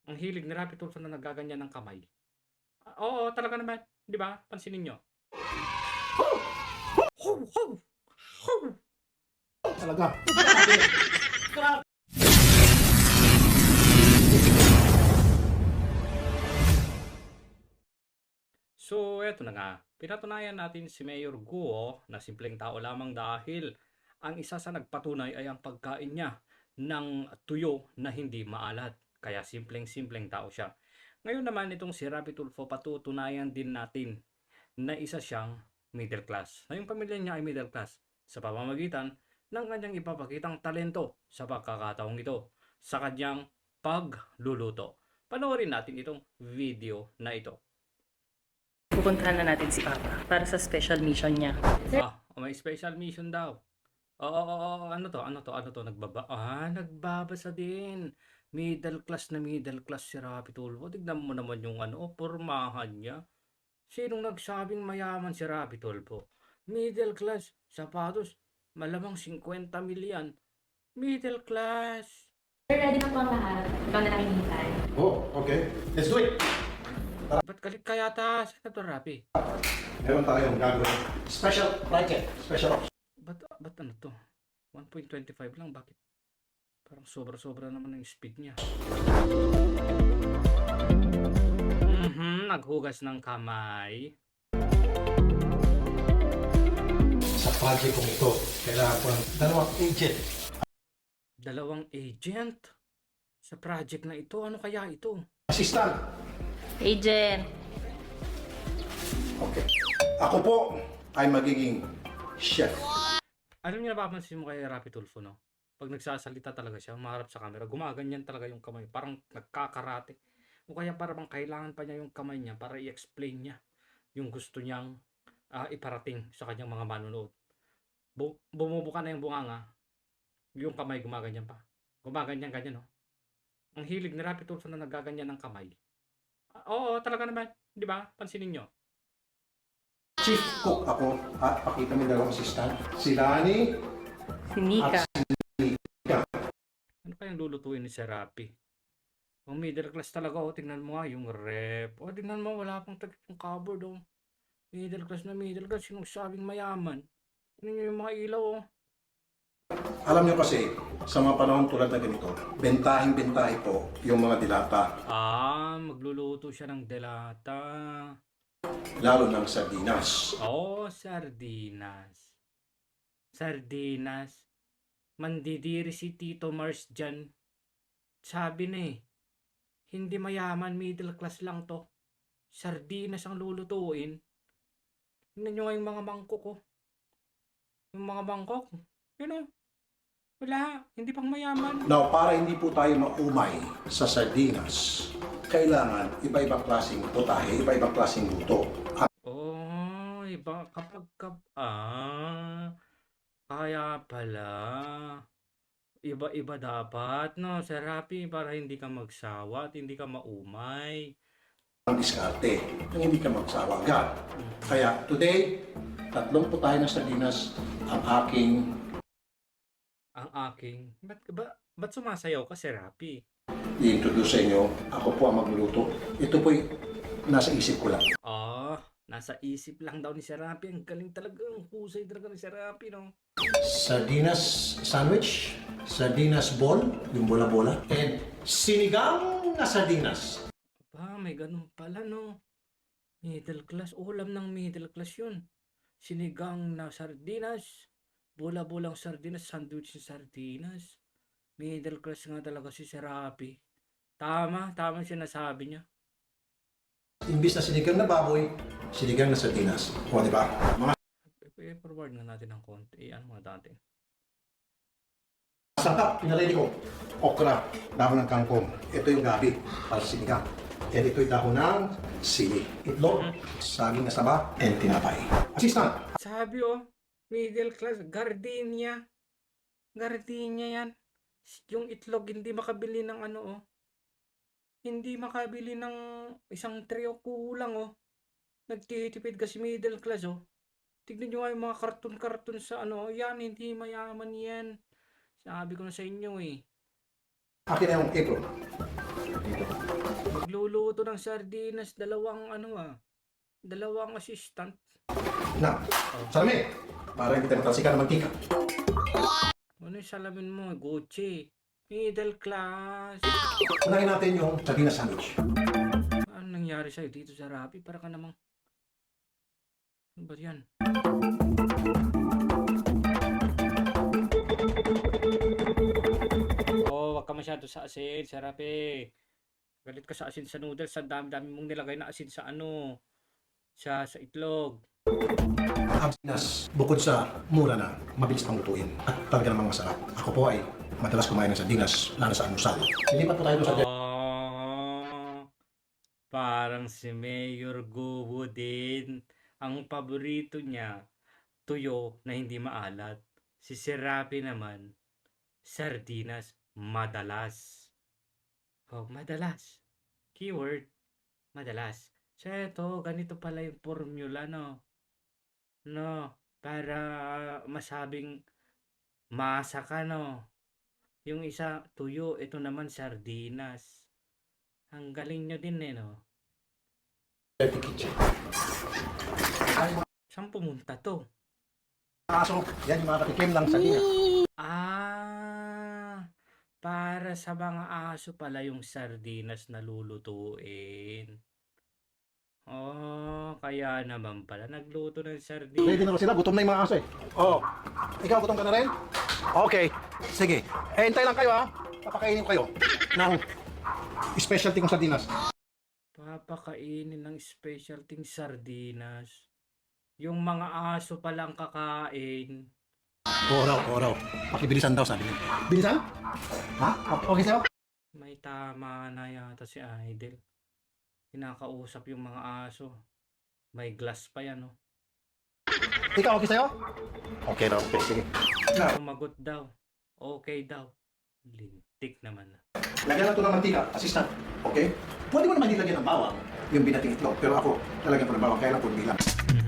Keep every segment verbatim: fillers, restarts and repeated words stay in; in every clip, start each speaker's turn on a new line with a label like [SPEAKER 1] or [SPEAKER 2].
[SPEAKER 1] Ang hilig ni Rapi Tulfo na naggaganyan ng kamay. Ah, oo, talaga naman. 'Di ba? Pansinin niyo. Ho! Ho! Ho!
[SPEAKER 2] Talaga.
[SPEAKER 1] So, eto na nga. Pinatunayan natin si Mayor Guo na simpleng tao lamang dahil ang isa sa nagpatunay ay ang pagkain niya ng tuyo na hindi maalat. Kaya simpleng-simpleng tao siya. Ngayon naman itong si Rapi Tulfo, patutunayan din natin na isa siyang middle class. Na yung pamilya niya ay middle class sa pamamagitan ng kanyang ipapakitang talento sa pagkakataong ito sa kanyang pagluluto. Panoorin natin itong video na ito.
[SPEAKER 3] Pupuntahan na natin si Papa para sa special mission niya.
[SPEAKER 1] Ah, may special mission daw. Oo, oo, oo, ano to? Ano to? Ano to? Nagbaba ah, nagbabasa din. Middle class na middle class si Rapi Tulfo. Tignan mo naman yung ano, oh, pormahan niya. Sinong nagsabing mayaman si Rapi Tulfo? Middle class, sapatos, malamang fifty milyan. Middle class.
[SPEAKER 4] Sir, ready na po ang lahat. Ikaw na lang hinihintay.
[SPEAKER 2] Oh, okay. Let's do it.
[SPEAKER 1] Ba't galit ka yata? Saan na to, Rapi?
[SPEAKER 2] Meron tayong gagawin. Special project. Special ops.
[SPEAKER 1] Ba't, ba't ano to? one point two five lang, bakit? Parang sobra-sobra naman ang speed niya. Mhm, naghugas ng kamay.
[SPEAKER 2] Sa project kong ito, kailangan ko ng dalawang agent.
[SPEAKER 1] Dalawang agent? Sa project na ito, ano kaya ito?
[SPEAKER 2] Assistant.
[SPEAKER 3] Agent!
[SPEAKER 2] Okay. Ako po ay magiging chef.
[SPEAKER 1] Alam niyo, napapansin mo kay Rapi Tulfo, no? Pag nagsasalita talaga siya, maharap sa camera, gumaganyan talaga yung kamay. Parang nagkakarate. O kaya parang kailangan pa niya yung kamay niya para i-explain niya yung gusto niyang ah, iparating sa kanyang mga manunood. Bu bumubuka na yung bunganga, yung kamay gumaganyan pa. Gumaganyan-ganyan, no? Ang hilig ni Rapi Tulfo na naggaganyan ng kamay. Ah, oo, talaga naman. 'Di ba? Pansinin niyo.
[SPEAKER 2] Chief cook ako. At pakita mo yung dalawang assistant. Si Lani
[SPEAKER 3] Si Nika.
[SPEAKER 2] at si Nika.
[SPEAKER 1] Ano kayang lulutuin ni Sir Rapi? Ang middle class talaga, oh. Tingnan mo nga yung rep. O, tingnan mo, wala pang takip yung cupboard, oh. Middle class na middle class, yung sabing mayaman. Tingnan nyo yung mga ilaw, oh.
[SPEAKER 2] Alam niyo kasi, sa mga panahon tulad na ganito, bentahing-bentahe po yung mga dilata,
[SPEAKER 1] Ah, magluluto siya ng delata.
[SPEAKER 2] lalo ng sardinas.
[SPEAKER 1] Oh, sardinas. Sardinas. Mandidiri si Tito Mars dyan. Sabi na eh, hindi mayaman, middle class lang to. Sardinas ang lulutuin. Tingnan nyo nga yung mga mangkok, oh. Yung mga mangkok, yun oh. Wala, hindi pang mayaman.
[SPEAKER 2] Now, para hindi po tayo maumay sa sardinas, kailangan iba-ibang klaseng putahe, iba-ibang klaseng luto. At
[SPEAKER 1] Oh, iba kapag kap ah, kaya pala. Iba-iba dapat, no, Sir Rapi, para hindi ka magsawa at hindi ka maumay.
[SPEAKER 2] ang diskarte, nang hindi ka magsawa agad. Kaya today, tatlong putahe ng sardinas ang aking
[SPEAKER 1] Ang aking, ba't, ba, ba't sumasayaw ka, Sir Rapi?
[SPEAKER 2] i-introduce sa inyo. Ako po ang magluluto. Ito po'y nasa isip ko lang.
[SPEAKER 1] Oh, nasa isip lang daw ni Sir Rapi. Ang galing talaga, ang husay talaga ni Sir Rapi, no?
[SPEAKER 2] Sardinas sandwich, sardinas ball, yung bola-bola, and sinigang na sardinas.
[SPEAKER 1] Ba, may ganun pala, no? Middle class, ulam ng middle class yun. Sinigang na sardinas, bola-bolang sardinas, sandwich ng sardinas. Middle class nga talaga si Sir Rapi. Tama, tama yung sinasabi niya.
[SPEAKER 2] Imbis na sinigang na baboy, sinigang na sardinas. O, di ba? Mga
[SPEAKER 1] I-forward nga natin ng konti. Ano mga dati?
[SPEAKER 2] sangkap, pinaredy ko. Okra, dahon ng kangkong. Ito yung gabi para sa sinigang. And ito yung dahon ng sili. Itlog, saging na saba, and tinapay. Assistant,
[SPEAKER 1] Sabi oh, middle class, gardenia. Gardenia yan. Yung itlog hindi makabili ng ano oh. Hindi makabili ng isang trio, kulang oh. Nagtitipid kasi middle class oh. Tignan nyo nga yung mga karton-karton sa ano, yan, hindi mayaman yan. Sabi ko na sa inyo eh.
[SPEAKER 2] akin na yung apron. Dito.
[SPEAKER 1] Nagluluto ng sardinas, dalawang ano ah, dalawang assistant.
[SPEAKER 2] Na, salami. Para hindi tayo matalsikan ng mantika.
[SPEAKER 1] Ano yung salamin mo? Gucci. Middle class.
[SPEAKER 2] Unahin natin yung sardinas sandwich.
[SPEAKER 1] Ano nangyari sa'yo dito sa Rappi? Para ka namang... Ano ba yan? Oh, wag ka masyado sa asin, sa Rappi. Galit ka sa asin sa noodles. Ang dami-dami mong nilagay na asin sa ano. Sa, sa itlog.
[SPEAKER 2] Ang sardinas, bukod sa mura na, mabilis pang lutuin at talaga namang masarap. Ako po ay madalas kumain ng sardinas, lalo sa almusal. Lilipat po tayo doon sa
[SPEAKER 1] Oh, parang si Mayor Gubo din. Ang paborito niya, tuyo na hindi maalat. Si Serapi naman, sardinas madalas. Oh, madalas. Keyword, madalas. So, ito, ganito pala yung formula, no? No, para masabing masa ka, no? Yung isa, tuyo. Ito naman, sardinas. Ang galing nyo din, eh, no?
[SPEAKER 2] dirty kitchen.
[SPEAKER 1] Saan pumunta to?
[SPEAKER 2] Kaso, yan yung mga katikim ng sardinas.
[SPEAKER 1] Ah, para sa mga aso pala yung sardinas na lulutuin. Oh, kaya naman pala nagluto ng sardinas.
[SPEAKER 2] Ready na ba sila? Gutom na yung mga aso eh. Oo. Ikaw, gutom ka na rin? Okay. Sige. Eh, hintay lang kayo ha. Papakainin ko kayo ng specialty kong sardinas.
[SPEAKER 1] Papakainin ng specialty sardinas. Yung mga aso palang kakain.
[SPEAKER 2] Oraw, oraw. Pakibilisan daw sabi niya. Bilisan? Ha? Okay sa'yo?
[SPEAKER 1] May tama na yata si Idol. Kinakausap yung mga aso. May glass pa yan, oh.
[SPEAKER 2] Ikaw, okay sa'yo? Okay raw. Okay, sige. Na,
[SPEAKER 1] Sumagot daw. Okay daw. Lintik naman.
[SPEAKER 2] lagyan na ito ng mantika, assistant. Okay? Pwede mo naman nilagyan ng bawang yung binating itlog. Pero ako, lalagyan ko ng bawang. Kaya lang po bilang.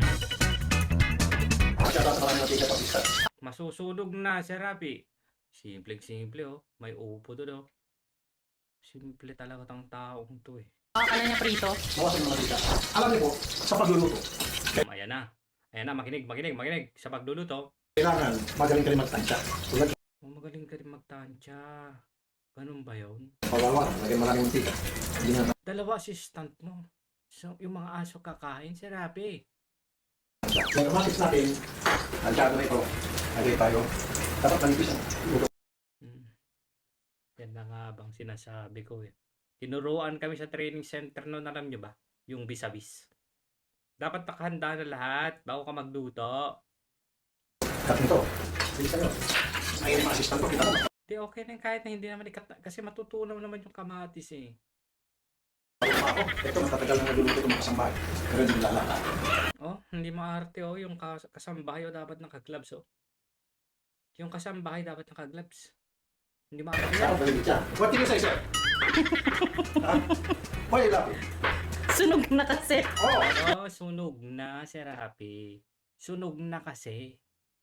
[SPEAKER 2] Masyado sa maraming mantika, assistant.
[SPEAKER 1] Masusunog na si Rapi. Simpleng-simple, oh. May upo doon, oh. Simple talaga tang taong to, eh.
[SPEAKER 3] Akala niya prito.
[SPEAKER 2] Bawasan ng mantika. Alam niyo po, sa pagluluto,
[SPEAKER 1] Um, ayan na. Ayan na, makinig, makinig, makinig. Sa pagluluto,
[SPEAKER 2] kailangan magaling ka rin magtansya. Tulad
[SPEAKER 1] oh, magaling ka rin magtansya. Ganun ba yun?
[SPEAKER 2] kawawa, lagyan maraming mantika. Hindi na
[SPEAKER 1] Dalawa assistant mo. So, yung mga aso kakain si Rapi.
[SPEAKER 2] tansya. Yung masis natin, tansyado na ito. Lagay tayo. Dapat manipis ang luto.
[SPEAKER 1] Hmm. Yan na nga bang sinasabi ko, eh. Tinuruan kami sa training center noon, alam nyo ba? Yung vis-a-vis. Dapat nakahanda na lahat bago ka magluto.
[SPEAKER 2] Cut nito. Bilisan nyo. Ayun yung mga assistant ko. Kita mo.
[SPEAKER 1] Di okay na yun, kahit na hindi naman ikat kasi matutunaw naman yung kamatis, eh.
[SPEAKER 2] Ako, ito matatagal na nagluluto itong mga kasambahay. Pero hindi lalata.
[SPEAKER 1] Oh, hindi maarte, oh. Yung kas- kasambahay, oh, dapat naka-gloves, oh. Yung kasambahay dapat naka-gloves. Hindi maarte
[SPEAKER 2] Saan
[SPEAKER 1] yan.
[SPEAKER 2] ko galing siya? What did you say, sir? Ha? Why you laughing?
[SPEAKER 3] Sunog na kasi.
[SPEAKER 2] Oh!
[SPEAKER 1] Oh, sunog na si Rapi. Sunog na kasi.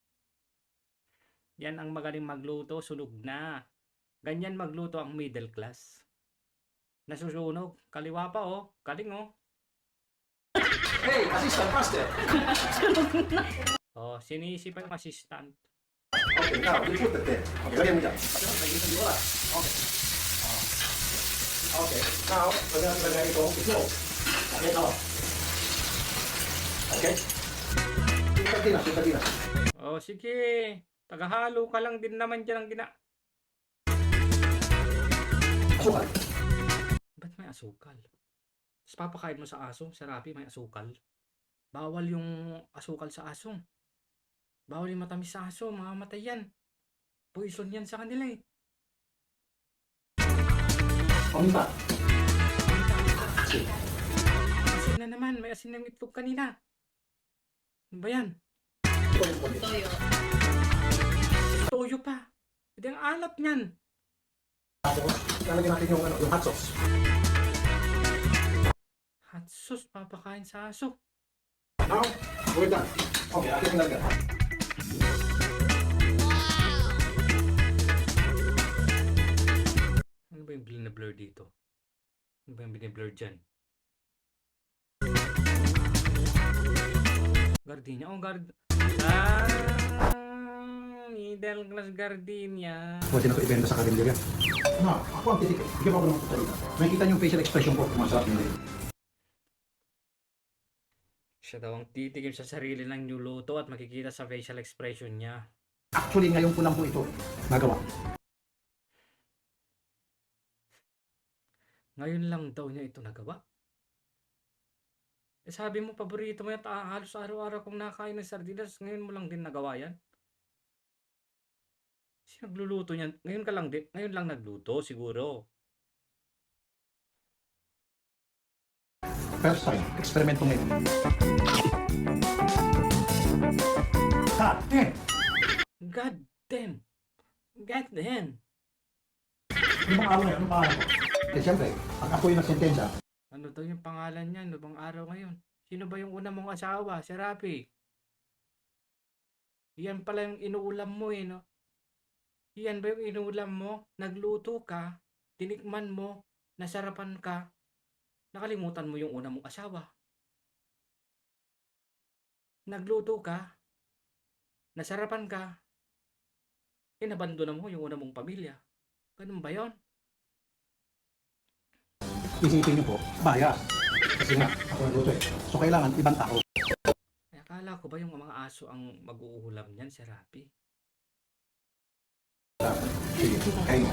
[SPEAKER 1] Yan ang magaling magluto, sunog na. Ganyan magluto ang middle class. Nasusunog. Kaliwa pa, oh. Galing, oh.
[SPEAKER 2] Hey, assistant, faster!
[SPEAKER 1] Oh, sinisi pa yung assistant.
[SPEAKER 2] Okay, now, you put it there. Okay, lagyan mo dyan. Lagyan mo dyan. Okay. Oh. Okay, now, lagyan natin lagyan ito. Itlog. Okay, now. Okay? Yung sardinas, yung sardinas.
[SPEAKER 1] Oh, sige. Tagahalo ka lang din naman dyan ang gina...
[SPEAKER 2] Asukal.
[SPEAKER 1] Ba't may asukal? Tapos papakain mo sa aso, sa Rapi may asukal. Bawal yung asukal sa aso. Bawal yung matamis sa aso, mamamatay yan. Poison yan sa kanila, eh.
[SPEAKER 2] Paminta.
[SPEAKER 1] Asin na naman, may asin ng itlog kanina. Ano ba yan?
[SPEAKER 3] Toyo.
[SPEAKER 1] Toyo pa. Hindi ang alat niyan.
[SPEAKER 2] Tapos, lalagyan natin yung, ano, yung hot sauce.
[SPEAKER 1] Hot sauce, papakain sa aso.
[SPEAKER 2] Now, we're done. Okay, akin yung lagyan.
[SPEAKER 1] Ano ba yung blur na blur dito? Ano ba yung biniblur dyan? Gardenia. Oh, gard... Ah! Middle class gardenia.
[SPEAKER 2] Pwede na ko ibenta sa karinderya. Na, ako ang titik. Bigyan mo ako ng pagsalita. Nakikita niyo yung facial expression ko kung masarap hindi.
[SPEAKER 1] Siya daw ang titikim sa sarili ng niluto at makikita sa facial expression niya.
[SPEAKER 2] Actually, ngayon ko lang po ito nagawa.
[SPEAKER 1] Ngayon lang daw niya ito nagawa. Eh sabi mo, paborito mo yan, ah, halos araw-araw kong nakain ng sardinas, ngayon mo lang din nagawa yan. Sino nagluluto niyan? Ngayon ka lang din, ngayon lang nagluto siguro.
[SPEAKER 2] First time, eksperimento ngayon. Ha! Eh!
[SPEAKER 1] God damn! God damn!
[SPEAKER 2] Ano bang araw ngayon? Ano bang araw? Eh, siyempre, pag ako yung nagsentensya,
[SPEAKER 1] Ano daw yung pangalan niya? Ano bang araw ngayon? Sino ba yung una mong asawa? Si Rapi. Yan pala yung inuulam mo eh, no? Yan ba yung inuulam mo? Nagluto ka, tinikman mo, nasarapan ka, nakalimutan mo yung una mong asawa. Nagluto ka, nasarapan ka, inabandona mo yung una mong pamilya. Ganun ba yon?
[SPEAKER 2] isipin niyo po, bias. Kasi nga, ako nagluto eh. So, kailangan ibang tao.
[SPEAKER 1] Ay, akala ko ba yung mga aso ang mag-uulam niyan, si Rapi?
[SPEAKER 2] Sige, kayo.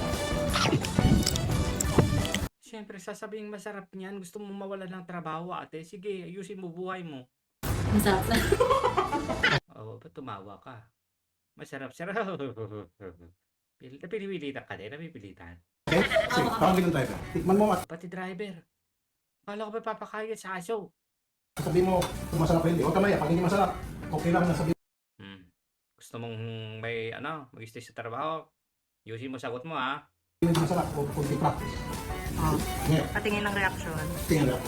[SPEAKER 1] Siyempre, sasabing masarap niyan. Gusto mo mawala ng trabaho, ate. Sige, ayusin mo buhay mo.
[SPEAKER 4] Masarap na.
[SPEAKER 1] Oo, ba't tumawa ka? Masarap, sarap. Pil- Napipilitan ka din, napipilitan.
[SPEAKER 2] Okay? Sige, parang ganun tayo. Tikman mo at
[SPEAKER 1] Pati driver. Akala ko ba papakain sa aso?
[SPEAKER 2] sabihin mo kung masarap o hindi. Huwag ka maya, pag hindi masarap, okay lang na sabihin.
[SPEAKER 1] Hmm. Gusto mong may, ano, mag-stay sa trabaho? Ayusin mo sagot mo, ha?
[SPEAKER 2] Hindi masarap o kunti practice. Ngayon,
[SPEAKER 3] Patingin ng reaksyon.
[SPEAKER 2] tingnan lang.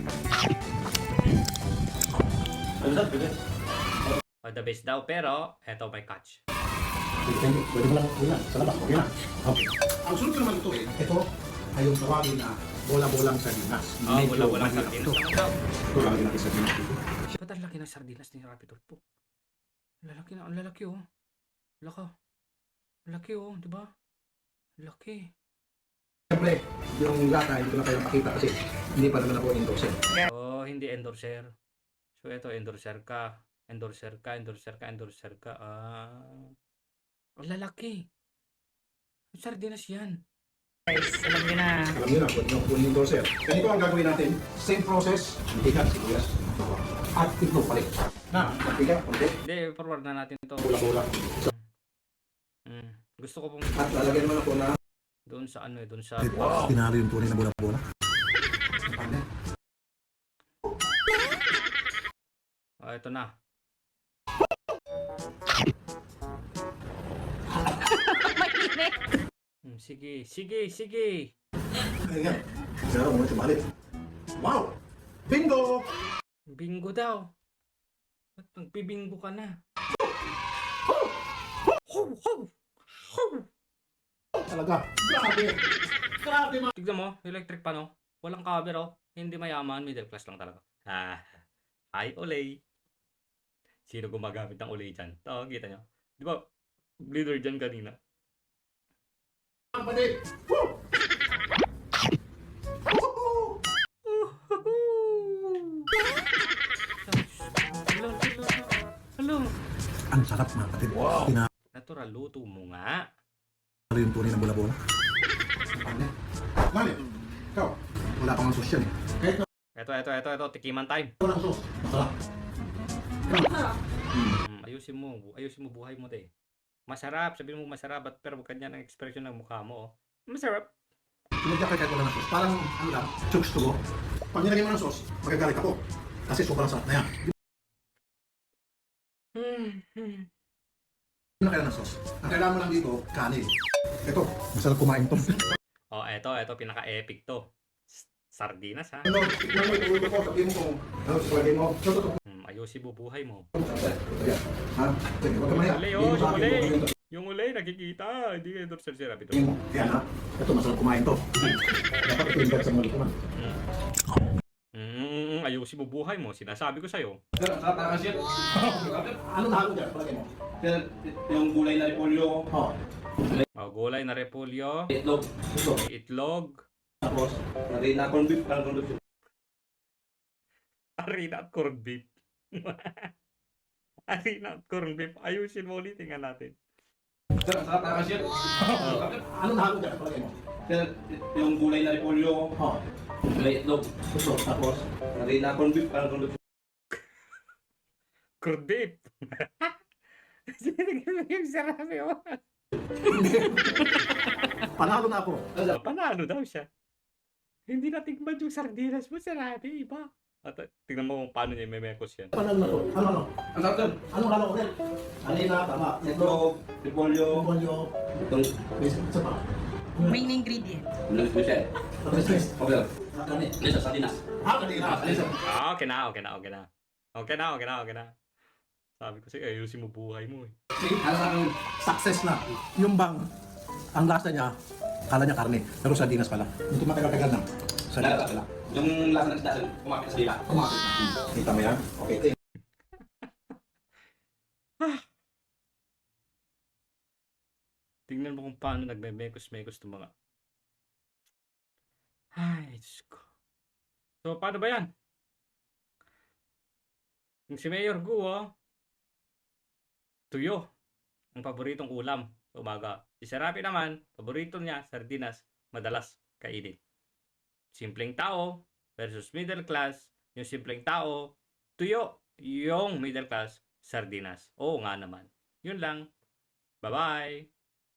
[SPEAKER 2] Ano sa pwede?
[SPEAKER 1] O, the best daw, pero eto may catch.
[SPEAKER 2] Pwede, pwede mo lang uwi na. Sa labas, okay na. Okay. Ang sunod ko naman ito eh, ito ay yung tawagin na bola-bolang sardinas.
[SPEAKER 1] Oh,
[SPEAKER 2] Medyo
[SPEAKER 1] wala-wala
[SPEAKER 2] mahirap
[SPEAKER 1] sardinas
[SPEAKER 2] ito.
[SPEAKER 1] naman daw.
[SPEAKER 2] Ito lalagyan natin sardinas dito.
[SPEAKER 1] Ba't ang laki ng sardinas ni Rapi Turpo? Ang lalaki na, ang lalaki, oh. Laka. Ang laki, oh, di ba? Ang laki.
[SPEAKER 2] Siyempre, yung lata hindi ko na kayo makita kasi hindi pa naman ako endorser.
[SPEAKER 1] Oh, hindi endorser. So, ito, endorser ka. Endorser ka, endorser ka, endorser ka. Ah. Ang lalaki. Ang sardinas yan.
[SPEAKER 3] Guys, alam niyo na.
[SPEAKER 2] Alam niyo na, pwede nyo kunin yung endorser. Ganito ang gagawin natin. Same process, mantika, sibuyas, at itlog palit. Na, mantika, konti,
[SPEAKER 1] Hindi, forward na natin to.
[SPEAKER 2] bola-bola.
[SPEAKER 1] Mm. Gusto ko pong
[SPEAKER 2] At lalagyan mo na po na
[SPEAKER 1] doon sa ano eh, doon sa...
[SPEAKER 2] pinalo yung tunay na bola-bola.
[SPEAKER 1] Oh, ito na. Hmm, sige, sige, sige.
[SPEAKER 2] Kaya nga, zero mo ito balik. Wow! Bingo!
[SPEAKER 1] Bingo daw. Ba't magpibingo ka na? Ho, ho, ho.
[SPEAKER 2] Talaga. Grabe. Grabe ma.
[SPEAKER 1] Tignan mo, electric pa no? Walang cover oh. Hindi mayaman, middle class lang talaga. Ah, hi Olay. Sino gumagamit ng Olay dyan? Ito, kita nyo. Di ba, bleeder dyan kanina.
[SPEAKER 2] Kapatid. Woo!
[SPEAKER 1] Hello, hello, hello.
[SPEAKER 2] Ang sarap mga kapatid. Wow. Pinalo
[SPEAKER 1] Natural, luto mo nga.
[SPEAKER 2] yung tunay na bola-bola. Mali, ikaw, wala pang sauce yan eh. Kahit na
[SPEAKER 1] Eto, eto, eto, eto, tikiman time.
[SPEAKER 2] walang sauce, masarap.
[SPEAKER 1] Hmm, ayusin mo, ayusin mo buhay mo te. Masarap, sabihin mo masarap, at pero kanya ng expression ng mukha mo. Oh. Masarap.
[SPEAKER 2] Sinadya ka kahit wala ng sauce. Parang, ano lang, chokes to go. Pag nilagyan mo ng sauce, magagalit ako. Kasi sobrang sarap na yan.
[SPEAKER 1] Hmm, hmm.
[SPEAKER 2] Hindi na kailangan ng sauce. Ang kailangan mo lang dito, kanin. Ito, masarap kumain to.
[SPEAKER 1] Oh, eto, eto, pinaka-epic to. S- Sardinas ha.
[SPEAKER 2] Ano, tignan mo, ituloy ko, sabihin mo kung ano, sabihin mo. Ito, ito, ito.
[SPEAKER 1] Hmm, ayusin mo buhay mo.
[SPEAKER 2] Ayan. Ha? Sige, huwag ka maya.
[SPEAKER 1] Uli,
[SPEAKER 2] Hindi mo
[SPEAKER 1] oh,
[SPEAKER 2] sa
[SPEAKER 1] yung
[SPEAKER 2] akin,
[SPEAKER 1] uli.
[SPEAKER 2] huwag yung-
[SPEAKER 1] Yung uli, nakikita. Hindi kayo dorsal si Rabbit.
[SPEAKER 2] Tingin mo. Ayan ha. Ito, masarap kumain to. Dapat ito yung sa mga lukuman.
[SPEAKER 1] Mm, ayusin mo buhay mo. Sinasabi ko sa'yo.
[SPEAKER 5] Sir, ang sarap talaga sir.
[SPEAKER 2] Ano nahalo dyan? Palagay mo.
[SPEAKER 5] Sir, yung gulay na repolyo,
[SPEAKER 2] Oh.
[SPEAKER 1] Oh, gulay na repolyo,
[SPEAKER 5] itlog,
[SPEAKER 2] Ito.
[SPEAKER 1] itlog,
[SPEAKER 5] tapos narina corn beef, parang corn beef.
[SPEAKER 1] harina at corned beef. Harina at corned beef. Ayusin mo ulit. Tingnan natin.
[SPEAKER 5] Sir, ang sarap talaga sir.
[SPEAKER 2] Ano nahalo dyan? Palagay mo.
[SPEAKER 5] Sir, yung gulay na repolyo,
[SPEAKER 2] Oh.
[SPEAKER 5] may itlog,
[SPEAKER 2] Ito.
[SPEAKER 5] tapos narina corn beef, parang corn beef.
[SPEAKER 1] Corned beef. Sinigil yung sarami mo.
[SPEAKER 2] Panalo na ako.
[SPEAKER 1] Oh, panalo daw siya. Hindi natikman yung sardinas mo, sarami. Iba. At uh, tingnan mo kung paano niya memekos yan.
[SPEAKER 2] Panalo na ako. Ano, ano?
[SPEAKER 5] Ang sarap sir.
[SPEAKER 2] Ano halo ko din? Alina, tama. Ito.
[SPEAKER 5] Itlog, repolyo,
[SPEAKER 2] Polyo.
[SPEAKER 5] itong
[SPEAKER 2] Isa pa.
[SPEAKER 3] Main ingredient.
[SPEAKER 5] ulang special.
[SPEAKER 2] Tapos tres.
[SPEAKER 5] Okay sir.
[SPEAKER 2] Kakani.
[SPEAKER 5] Lisa, sardinas.
[SPEAKER 2] Ah, kanina. Alisa.
[SPEAKER 1] Ah, okay na, okay na, okay na. Okay na, okay na, okay na. Sabi ko sa'yo, ayusin mo buhay mo eh.
[SPEAKER 5] Ano sa akin?
[SPEAKER 2] Success na. Yung bang, ang lasa niya, kala niya karne. Pero sardinas pala. Hindi matagal-tagal na. Sardinas pala.
[SPEAKER 5] Yung lasa ng isda, sir, kumapit sa dila.
[SPEAKER 2] Kumakit na. Kita mo yan? Okay, ito
[SPEAKER 1] Tingnan mo kung paano nagme-mekos-mekos itong mga... Ay, Diyos ko. So, paano ba yan? Yung si Mayor Guo, tuyo. Ang paboritong ulam sa umaga. Si Serapi naman, paborito niya, sardinas, madalas kainin. Simpleng tao versus middle class. Yung simpleng tao, tuyo. Yung middle class, sardinas. Oo nga naman. Yun lang. Bye-bye.